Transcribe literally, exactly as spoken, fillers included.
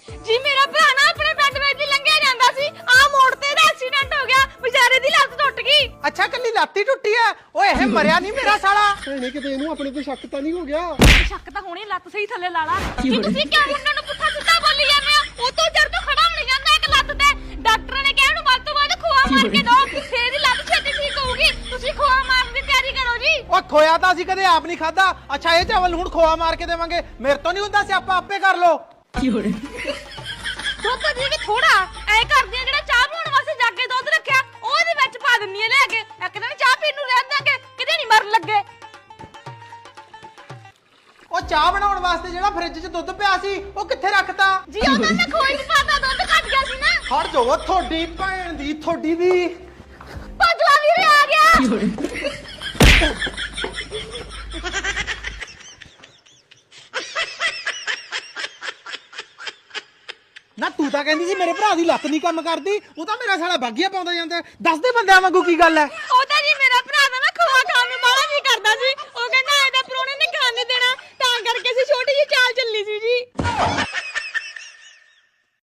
ਜੀ ਮੇਰਾ ਭਰਾ ਨਾ ਆਪਣੇ ਪਿੰਡ ਵਿੱਚ ਦੀ ਲੰਘਿਆ ਜਾਂਦਾ ਸੀ ਆ ਮੋੜ ਤੇ ਇਹਦਾ ਐਕਸੀਡੈਂਟ ਹੋ ਗਿਆ ਵਿਚਾਰੇ ਦੀ ਲੱਤ ਟੁੱਟ ਗਈ। ਅੱਛਾ ਕੱਲੀ ਲੱਤ ਹੀ ਟੁੱਟੀ ਐ। ਓਏ ਇਹ ਮਰਿਆ ਨਹੀਂ ਮੇਰਾ ਸਾਲਾ। ਭੈਣੇ ਕਿਤੇ ਇਹਨੂੰ ਆਪਣੇ ਤੇ ਸ਼ੱਕ ਤਾਂ ਨਹੀਂ ਹੋ ਗਿਆ? ਸ਼ੱਕ ਤਾਂ ਹੋਣੀ, ਲੱਤ ਸਹੀ ਥੱਲੇ ਲਾ ਲਾ। ਜੀ ਤੁਸੀਂ ਕਿਉਂ ਮੁੰਡੇ ਨੂੰ ਪੁੱਠਾ ਸਿੱਧਾ ਬੋਲੀ ਜਾਂਦੇ ਆ? ਉਹ ਤੋਂ ਜਰ ਤੋਂ ਖੜਾ ਹੋ ਨਹੀਂ ਜਾਂਦਾ ਇੱਕ ਲੱਤ ਤੇ। ਡਾਕਟਰ ਨੇ ਕਿਹਾ ਇਹਨੂੰ ਵੱਧ ਤੋਂ ਵੱਧ ਖੋਆ ਮਾਰ ਕੇ ਦੋ, ਫੇਰ ਦੀ ਲੱਤ ਛੇਤੀ ਠੀਕ ਹੋਊਗੀ। ਤੁਸੀਂ ਖੋਆ ਮਾਰਨ ਦੀ ਤਿਆਰੀ ਕਰੋ ਜੀ। ਓ ਖੋਇਆ ਤਾਂ ਅਸੀਂ ਕਦੇ ਆਪ ਨਹੀਂ ਖਾਦਾ। ਅੱਛਾ ਇਹ ਚਾਵਲ ਹੁਣ ਖੋਆ ਮਾਰ ਕੇ ਦੇਵਾਂਗੇ? ਮੇਰੇ ਤੋਂ ਨਹੀਂ ਹੁੰਦਾ ਸਿਆਪਾ, ਆਪੇ ਕਰ ਲੋ। ਦੁੱਧ ਜੀ ਵੀ ਥੋੜਾ ਐ ਕਰਦੀ ਆ ਜਿਹੜਾ ਚਾਹ ਬਣਾਉਣ ਵਾਸਤੇ ਜੱਗ ਕੇ ਦੁੱਧ ਰੱਖਿਆ ਉਹਦੇ ਵਿੱਚ ਪਾ ਦਿੰਨੀ ਆ ਲੈ ਕੇ। ਇੱਕ ਦਿਨ ਚਾਹ ਪੀਣ ਨੂੰ ਰਹਿਣ ਦਾਂਗੇ, ਕਿਤੇ ਨਹੀਂ ਮਰਨ ਲੱਗੇ। ਉਹ ਚਾਹ ਬਣਾਉਣ ਵਾਸਤੇ ਜਿਹੜਾ ਫ੍ਰਿਜ 'ਚ ਦੁੱਧ ਪਿਆ ਸੀ ਉਹ ਕਿੱਥੇ ਰੱਖਤਾ? ਜੀ ਉਹਨਾਂ ਨੇ ਖੋਈ ਚ ਪਾਤਾ, ਦੁੱਧ ਘਟ ਗਿਆ ਸੀ ਨਾ। ਖੜ ਜਾਓ, ਤੁਹਾਡੀ ਭੈਣ ਦੀ ਤੁਹਾਡੀ ਦੀ ਭਜਵਾ ਵੀਰੇ ਆ ਗਿਆ। ਨਾ ਤੂੰ ਤਾਂ ਕਹਿੰਦੀ ਸੀ ਮੇਰੇ ਭਰਾ ਦੀ ਲੱਤ ਨਹੀਂ ਕੰਮ ਕਰਦੀ, ਉਹ ਤਾਂ ਮੇਰਾ ਸਾਲਾ ਬਾਗੀਆ ਪਾਉਂਦਾ ਜਾਂਦਾ। ਦੱਸ ਦੇ ਬੰਦਿਆਂ ਵਾਂਗੂ ਕੀ ਗੱਲ ਐ? ਉਹ ਤਾਂ ਜੀ ਮੇਰਾ ਭਰਾ ਦਾ ਨਾ